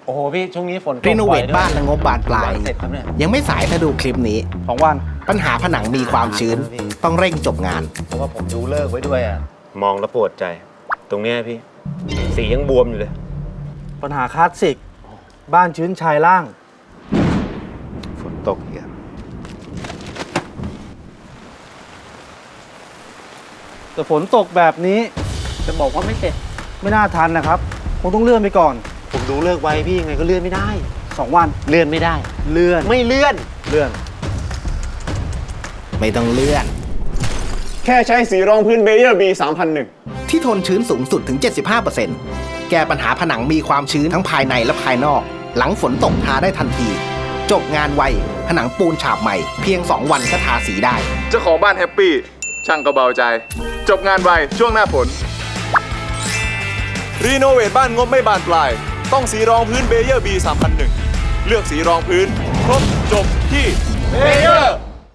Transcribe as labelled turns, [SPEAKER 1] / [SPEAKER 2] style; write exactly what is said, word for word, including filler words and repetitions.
[SPEAKER 1] โอ้โหพี่ช่วงนี้ฝนตก
[SPEAKER 2] รีโนเวท
[SPEAKER 1] บ่อยด้วย
[SPEAKER 2] บ้านและงบบานปลาย
[SPEAKER 1] เสร็จครับเนี่ย
[SPEAKER 2] ยังไม่สายถ้าดูคลิปนี้
[SPEAKER 3] สองวัน
[SPEAKER 2] ปัญหาผนังมีความชื้น ต้องเร่งจบงาน
[SPEAKER 1] เพราะว่าผมดูเลิกไว้ด้วยอ่ะ
[SPEAKER 4] มองแล้วปวดใจ ตรงเนี้ยพี่ สียังบวมอยู่เลย
[SPEAKER 3] ปัญหาคลาสสิก บ้านชื้นชายล่าง
[SPEAKER 4] ฝนตกอีกอะ
[SPEAKER 3] แต่ฝนตกแบบนี้
[SPEAKER 1] จะบอกว่าไม่เสร็จ
[SPEAKER 3] ไม่น่าทันนะครับคงต้องเลื่อนไปก่อน
[SPEAKER 1] ผมดูเลิกไว้พี่ยังไงก็เลื่อนไม่ได้
[SPEAKER 3] สองวัน
[SPEAKER 1] เลื่อนไม่ได้
[SPEAKER 3] เลื่อน
[SPEAKER 1] ไม่เลื่อน
[SPEAKER 3] เลื่อน
[SPEAKER 2] ไม่ต้องเลื่อน
[SPEAKER 5] แค่ใช้สีรองพื้นเบเยอร์ บี สามพันหนึ่ง
[SPEAKER 2] ที่ทนชื้นสูงสุดถึง เจ็ดสิบห้าเปอร์เซ็นต์ แก้ปัญหาผนังมีความชื้นทั้งภายในและภายนอก หลังฝนตกทาได้ทันที จบงานไว ผนังปูนฉาบใหม่ เพียง สอง วันก็ทาสีได้
[SPEAKER 6] เจ้าของบ้านแฮปปี้ ช่างก็เบาใจ จบงานไวช่วงหน้าฝน รีโนเวทบ้านงบไม่บานปลาย ต้องสีรองพื้นเบเยอร์ บี สามพันหนึ่ง เลือกสีรองพื้น ครบจบที่เบเยอร์